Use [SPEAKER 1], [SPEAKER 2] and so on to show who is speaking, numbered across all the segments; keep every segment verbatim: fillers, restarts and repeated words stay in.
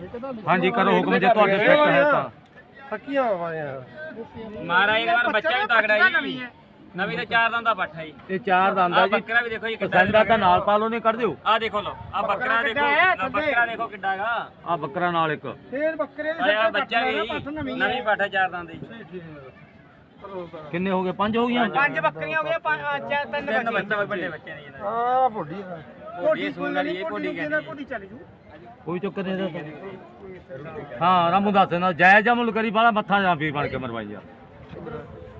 [SPEAKER 1] ਹਾਂਜੀ ਕਰੋ ਹੁਕਮ ਜੇ ਤੁਹਾਡੇ ਫਿੱਟ ਹੈ ਤਾਂ
[SPEAKER 2] ਫੱਕੀਆਂ ਆਵਾਂ
[SPEAKER 3] ਮਾਰਾ ਇੱਕ ਵਾਰ ਬੱਚਾ ਵੀ ਤਗੜਾ ਜੀ ਨਵੀਂ ਤੇ ਚਾਰ ਦੰਦ ਦਾ ਪੱਠਾ ਜੀ
[SPEAKER 1] ਇਹ ਚਾਰ ਦੰਦ ਆ ਜੀ
[SPEAKER 3] ਬੱਕਰਾ ਵੀ ਦੇਖੋ ਜੀ
[SPEAKER 1] ਪਸੰਦਾ ਤਾਂ ਨਾਲ ਪਾ ਲਓ ਨਹੀਂ ਕੱਢ ਦਿਓ
[SPEAKER 3] ਆ ਦੇਖੋ ਲੋ ਆ ਬੱਕਰਾ ਦੇਖੋ ਆ ਬੱਕਰਾ ਦੇਖੋ ਕਿੱਡਾ ਹੈਗਾ
[SPEAKER 1] ਆ ਬੱਕਰਾ ਨਾਲ ਇੱਕ
[SPEAKER 2] ਫੇਰ ਬੱਕਰੇ ਦੇ
[SPEAKER 3] ਆ ਬੱਚਾ ਵੀ ਨਵੀਂ ਪੱਠਾ ਚਾਰ ਦੰਦ ਦੀ
[SPEAKER 1] ਕਿੰਨੇ ਹੋ ਗਏ ਪੰਜ ਹੋ ਗਈਆਂ
[SPEAKER 2] ਪੰਜ ਬੱਕਰੀਆਂ ਹੋ ਗਈਆਂ ਪੰਜ ਤਿੰਨ
[SPEAKER 3] ਤਿੰਨ ਬੱਚੇ ਵੱਡੇ ਬੱਚੇ ਨੇ ਜੀ
[SPEAKER 2] ਆ ਭੋਡੀ
[SPEAKER 3] ਕੋਡੀ ਸੁਣ ਲਈ ਇਹ ਕੋਡੀ ਕਹਿੰਦੀ
[SPEAKER 2] ਕੋਡੀ ਚੱਲ ਜੂ
[SPEAKER 1] ਕੋਈ ਚੱਕਰ ਨਹੀਂ ਇਹਦਾ ਹਾਂ ਰਾਮੂ ਦੱਸ ਨਾ ਜਾਇਜ਼ ਮੁੱਲ ਕਰੀ ਬਾਲਾ ਮੱਥਾ ਜਾਂ ਵੀ ਬਣ ਕੇ ਮਰਵਾਈ ਯਾਰ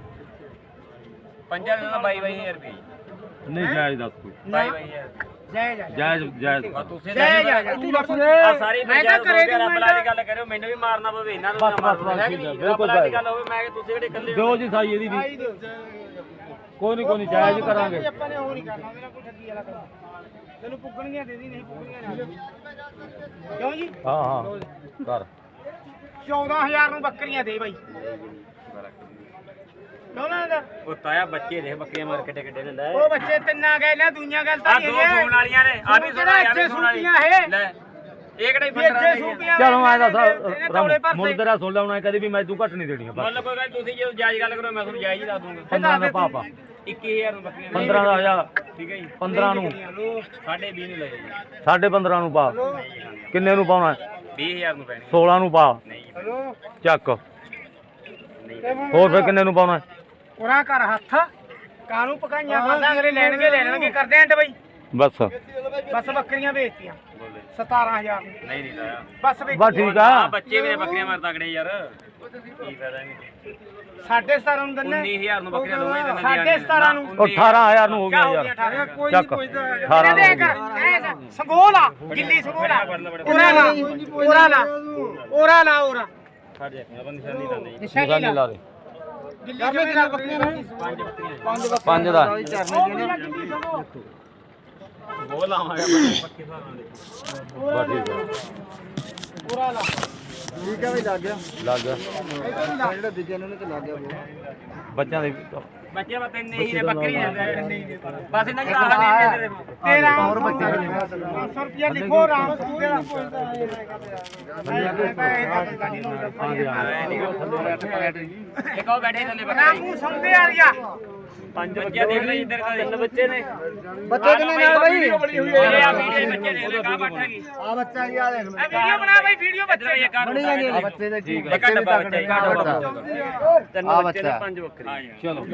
[SPEAKER 3] ਪੰਜਾਂ ਦਾ ਬਾਈ ਬਾਈ ਹਜ਼ਾਰ ਰੁਪਏ
[SPEAKER 1] ਨਹੀਂ ਜਾਇਜ਼ ਦੱਸ ਕੋਈ
[SPEAKER 3] ਬਾਈ ਬਾਈ ਹਜ਼ਾਰ
[SPEAKER 2] ਜੈ ਜੈ
[SPEAKER 1] ਜਾਇਜ਼ ਜਾਇਜ਼
[SPEAKER 3] ਤੁਸੀਂ
[SPEAKER 2] ਜੈ ਜੈ ਤੂੰ ਦੱਸ
[SPEAKER 3] ਆ ਸਾਰੀ ਪੰਜਾਬ ਦੇ ਰੱਬ ਲਾ ਦੀ ਗੱਲ ਕਰਿਓ ਮੈਨੂੰ ਵੀ ਮਾਰਨਾ ਪਵੇ ਇਹਨਾਂ ਨੂੰ
[SPEAKER 1] ਬਸ ਬਸ ਬਸ ਠੀਕ ਹੈ ਬਿਲਕੁਲ
[SPEAKER 3] ਰੱਬ ਦੀ ਗੱਲ ਹੋਵੇ ਮੈਂ ਕਿ ਤੁਸੀਂ ਕਿਹੜੇ ਇਕੱਲੇ
[SPEAKER 1] ਦਿਓ ਜੀ ਸਾਈ ਇਹਦੀ ਵੀ ਕੋਈ ਨਹੀਂ ਕੋਈ ਨਹੀਂ ਜਾਇਜ਼ ਕਰਾਂਗੇ
[SPEAKER 2] ਆਪਾਂ ਨੇ ਉਹ ਨਹੀਂ ਕਰਨਾ ਉਹਦੇ ਨਾਲ ਕੋਈ ਠੱਗੀ ਵਾਲਾ ਕੰਮ ਤੈਨੂੰ ਪੁੱਗਣੀਆਂ ਦੇ ਦੀ ਨਹੀਂ ਪੁੱਗਣੀਆਂ ਨਾ ਕਿਉਂ ਜੀ
[SPEAKER 1] ਹਾਂ ਹਾਂ ਕਰ
[SPEAKER 2] ਚੌਦਾਂ ਹਜ਼ਾਰ ਨੂੰ ਬੱਕਰੀਆਂ ਦੇ ਬਾਈ ਕਿਉਂ ਨਾ ਦਾ
[SPEAKER 3] ਉਹ ਤਾਇਆ ਬੱਚੇ ਦੇ ਬੱਕਰੀਆਂ ਮਾਰ ਕਿੱਡੇ ਕਿੱਡੇ ਨੇ ਲੈ
[SPEAKER 2] ਉਹ ਬੱਚੇ ਤਿੰਨਾਂ ਗਏ ਨਾ ਦੁਨੀਆਂ ਗੱਲ ਤਾਂ
[SPEAKER 3] ਆ
[SPEAKER 2] ਨਹੀਂ
[SPEAKER 3] ਦੋ ਸੂਣ ਵਾਲੀਆਂ ਨੇ ਆ ਵੀ ਸੁਣਾ ਆ ਵੀ ਸੁਣ ਵਾਲੀ ਲੈ ਇਹ ਕਿਹੜੇ ਪੰਦਰਾਂ ਨੇ
[SPEAKER 1] ਚਲੋ ਐ ਦੱਸ ਮੁੱਲ ਤੇਰਾ ਸੁਣ ਲੈਣਾ ਕਦੇ ਵੀ ਮੈਂ ਤੂੰ ਘੱਟ ਨਹੀਂ ਦੇਣੀਆਂ ਬਸ
[SPEAKER 3] ਮੁੱਲ ਕੋਈ ਗੱਲ ਤੁਸੀਂ ਜੇ ਜਾਇਜ਼ ਗੱਲ ਕਰੋ ਮੈਂ ਤੁਹਾਨੂੰ ਜਾਇਜ਼ ਹੀ ਦੱਸ ਦੂੰਗਾ
[SPEAKER 1] ਪੰਦਰਾਂ ਦਾ ਪਾਪਾ
[SPEAKER 3] ਇੱਕੀ ਹਜ਼ਾਰ ਨੂੰ ਬੱਕਰੀਆਂ
[SPEAKER 1] ਪੰਦਰਾਂ ਦਾ ਹਜ਼ਾਰ
[SPEAKER 3] ਠੀਕ ਹੈ ਜੀ
[SPEAKER 1] ਪੰਦਰਾਂ ਨੂੰ
[SPEAKER 3] ਸਾਢੇ ਵੀਹ ਨੂੰ ਲੈ ਜੀ
[SPEAKER 1] ਸਾਢੇ ਪੰਦਰਾਂ ਨੂੰ ਪਾ ਕਿੰਨੇ ਨੂੰ ਪਾਉਣਾ
[SPEAKER 3] ਵੀਹ ਹਜ਼ਾਰ ਨੂੰ ਪੈਣੀ
[SPEAKER 1] ਸੋਲਾਂ ਨੂੰ ਪਾ
[SPEAKER 2] ਹਲੋ
[SPEAKER 1] ਚੱਕ ਹੋਰ ਫਿਰ ਕਿੰਨੇ ਨੂੰ ਪਾਉਣਾ
[SPEAKER 2] ਉਰਾ ਕਰ ਹੱਥ ਕਾਨੂੰ ਪਕਾਈਆਂ ਖਾਂਦਾ ਅਗਲੇ ਲੈਣਗੇ ਲੈ ਲੈਣਗੇ ਕਰਦੇ ਆਂ ਬਈ
[SPEAKER 1] ਬਸ
[SPEAKER 2] ਬਸ ਬੱਕਰੀਆਂ ਵੇਚਤੀਆਂ ਸਤਾਰਾਂ ਹਜ਼ਾਰ
[SPEAKER 3] ਨਹੀਂ ਨਹੀਂ ਤਾਇਆ
[SPEAKER 2] ਬਸ ਵੇਚ
[SPEAKER 1] ਬਸ ਠੀਕ ਆ
[SPEAKER 3] ਆ ਬੱਚੇ ਵੀ ਨੇ ਬੱਕਰੀਆਂ ਮਾਰ ਤਕੜੇ ਯਾਰ ਕੀ ਫਾਇਦਾ ਨਹੀਂ
[SPEAKER 2] ਸਾਢੇ ਸਤਾਰਾਂ ਨੂੰ ਦਿੰਨੇ
[SPEAKER 3] ਉੱਨੀ ਹਜ਼ਾਰ ਨੂੰ ਬੱਕਰੀਆਂ ਦੋਵੇਂ ਦਿੰਦੇ
[SPEAKER 2] ਸਾਢੇ ਸਤਾਰਾਂ ਨੂੰ
[SPEAKER 1] ਉਹ ਅਠਾਰਾਂ ਹਜ਼ਾਰ ਨੂੰ ਹੋ ਗਿਆ ਯਾਰ ਚੱਕ ਅਠਾਰਾਂ ਨੂੰ ਹੋ ਗਿਆ
[SPEAKER 2] ਸੰਗੋਲ ਆ ਗਿੱਲੀ ਸੰਗੋਲ ਆ ਉਰਾ ਲਾ ਉਰਾ ਲਾ ਉਰਾ ਲਾ ਉਰਾ
[SPEAKER 3] ਛੱਡ ਜਾ ਆਪਾਂ ਨਿਸ਼ਾਨੀ ਤਾਂ ਨਹੀਂ
[SPEAKER 1] ਨਿਸ਼ਾਨੀ ਲਾ ਦੇ
[SPEAKER 2] ਗਿੱਲੀ ਕਿੰਨੀਆਂ ਬੱਕਰੀਆਂ ਨੇ
[SPEAKER 3] ਪੰਜ ਬੱਕਰੀਆਂ
[SPEAKER 1] ਪੰਜ ਦਾ
[SPEAKER 3] ਉਹ ਲਾਵਾਂਗੇ ਪੱਕੇ ਹਿਸਾਬ ਨਾਲ
[SPEAKER 1] ਬਸ ਠੀਕ ਆ
[SPEAKER 2] ਉਰਾ ਲਾ
[SPEAKER 4] ਠੀਕ ਹੈ ਬਈ ਲੱਗ ਗਿਆ
[SPEAKER 1] ਲੱਗ ਗਿਆ
[SPEAKER 4] ਜਿਹੜਾ ਦੂਜੇ ਨੂੰ ਤੇ ਲੱਗ ਗਿਆ
[SPEAKER 1] ਬੱਚਿਆਂ ਦੇ
[SPEAKER 3] ਬੱਚੇ ਬਸ ਇੰਨੇ ਹੀ ਨੇ ਬੱਕਰੀਆਂ ਬਸ ਇਹਨਾਂ ਦੀ ਆਹ ਨਹੀਂ ਦੇ ਦੇ
[SPEAKER 2] ਤੇਰਾ ਹੋਰ ਬੱਚਾ ਪੰਜ ਸੌ ਰੁਪਿਆ ਲਿਖੋ ਰਾਮ ਤੇਰਾ
[SPEAKER 3] ਇੱਕ ਉਹ ਬੈਠੇ ਥੱਲੇ ਬੱਕਰੀ
[SPEAKER 2] ਰਾਮੂ ਸਮਝੇ ਆ ਗਿਆ
[SPEAKER 3] ਪੰਜ ਬੱਚੇ ਦੇਖ ਲੈ ਇੱਧਰ ਦਾ ਤਿੰਨ ਬੱਚੇ ਨੇ
[SPEAKER 4] ਬੱਚੇ ਕਿੰਨੇ ਨਾਲ ਬਈ
[SPEAKER 3] ਇਹ ਆ ਵੀਡੀਓ ਬੱਚੇ ਦੇਖ ਲੈ ਕਾ ਬੱਠਾ ਕੀ
[SPEAKER 4] ਆ ਬੱਚਾ ਕੀ ਆ ਦੇਖ
[SPEAKER 2] ਇਹ ਵੀਡੀਓ ਬਣਾ ਬਈ ਵੀਡੀਓ ਬੱਚੇ
[SPEAKER 3] ਇਹ ਕਰ
[SPEAKER 4] ਬਣੀ ਜਾਂਦੀ ਆ ਬੱਚੇ ਦੇ
[SPEAKER 1] ਠੀਕ
[SPEAKER 3] ਇੱਕ ਡੱਬਾ ਬੱਚਾ ਇੱਕ ਡੱਬਾ ਤਿੰਨ
[SPEAKER 4] ਆ
[SPEAKER 3] ਬੱਚੇ ਨੇ
[SPEAKER 4] ਬੱਚਾ।
[SPEAKER 3] ਪੰਜ ਬੱਕਰੀ
[SPEAKER 1] ਚਲੋ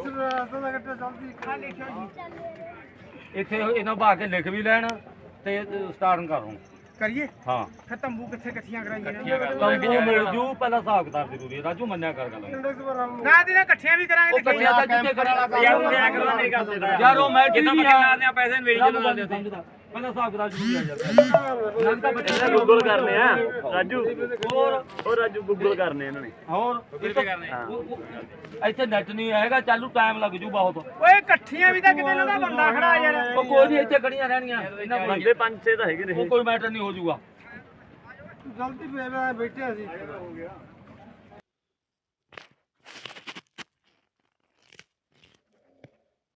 [SPEAKER 2] ਆ ਲਿਖਿਓ ਜੀ
[SPEAKER 1] ਇੱਥੇ ਇਹਨਾਂ ਪਾ ਕੇ ਲਿਖ ਵੀ ਲੈਣ ਤੇ ਸਟਾਰਟ ਕਰੋ
[SPEAKER 2] ਕਰੀਏ
[SPEAKER 1] ਹਾਂ
[SPEAKER 2] ਫਿਰ ਤੰਬੂ ਕਿੱਥੇ ਇਕੱਠੀਆਂ ਕਰਾਈਏ
[SPEAKER 1] ਤੰਬੂ ਮਿਲ ਜੂ ਪਹਿਲਾਂ ਹਿਸਾਬ ਕਿਤਾਬ ਜ਼ਰੂਰੀ ਹੈ ਰਾਜੂ ਮੰਨਿਆ ਕਰ ਗੱਲ
[SPEAKER 2] ਨਾ ਦੇ ਨਾ ਇਕੱਠੀਆਂ ਵੀ ਕਰਾਂਗੇ
[SPEAKER 1] ਉਹ ਇਕੱਠਿਆਂ ਤਾਂ ਜਿੱਥੇ ਕਰਾਂਗਾ
[SPEAKER 3] ਯਾਰ ਉਹ ਐ ਕਰਵਾ ਮੇਰੀ ਗੱਲ ਸੁਣਦਾ
[SPEAKER 1] ਯਾਰ ਉਹ ਮੈਂ
[SPEAKER 3] ਕਿੰਨਾ
[SPEAKER 1] ਠੀਕ
[SPEAKER 3] ਬੱਕਰੀ
[SPEAKER 1] ਆ
[SPEAKER 3] ਲਾਉਂਦੇ ਆ ਪੈਸੇ ਮੇਰੀ ਜਦੋਂ ਲਾਉਂਦੇ ਆ
[SPEAKER 1] ਸਮਝਦਾ ਪਹਿਲਾਂ ਹਿਸਾਬ ਕਿਤਾਬ ਜ਼ਰੂਰੀ ਆ ਯਾਰ ਨੰਨ ਤਾਂ ਬੱਚੇ ਦਾ
[SPEAKER 3] ਗੂਗਲ ਕਰਨੇ ਆ ਰਾਜੂ ਹੋਰ ਹੋਰ ਰਾਜੂ ਗੂਗਲ ਕਰਨੇ ਇਹਨਾਂ ਨੇ
[SPEAKER 1] ਹੋਰ
[SPEAKER 3] ਕਿੱਥੇ ਕਰਨੇ
[SPEAKER 1] ਇੱਥੇ ਨੈਟ ਨਹੀਂ ਹੈਗਾ ਚਾਲੂ ਟਾਈਮ ਲੱਗ ਜੂ ਬਹੁਤ
[SPEAKER 2] ਓਏ ਇਕੱਠੀਆਂ ਵੀ ਤਾਂ ਕਿਤੇ ਨਾ ਦਾ ਬੰਦਾ ਖੜਾ ਯਾਰ
[SPEAKER 1] ਉਹ ਕੋਈ ਨਹੀਂ ਇੱਥੇ ਖੜੀਆਂ ਰਹਿਣੀਆਂ ਇਹਨਾਂ ਕੋਲ
[SPEAKER 3] ਬੰਦੇ ਪੰਜ ਛੇ ਤਾਂ ਹੈਗੇ ਨੇ
[SPEAKER 1] ਉਹ ਕੋਈ ਮੈਟਰ ਨਹੀਂ ਹੋ ਜੂਗਾ
[SPEAKER 4] ਗਲਤੀ ਫੇਰ ਬੈਠੇ ਅਸੀਂ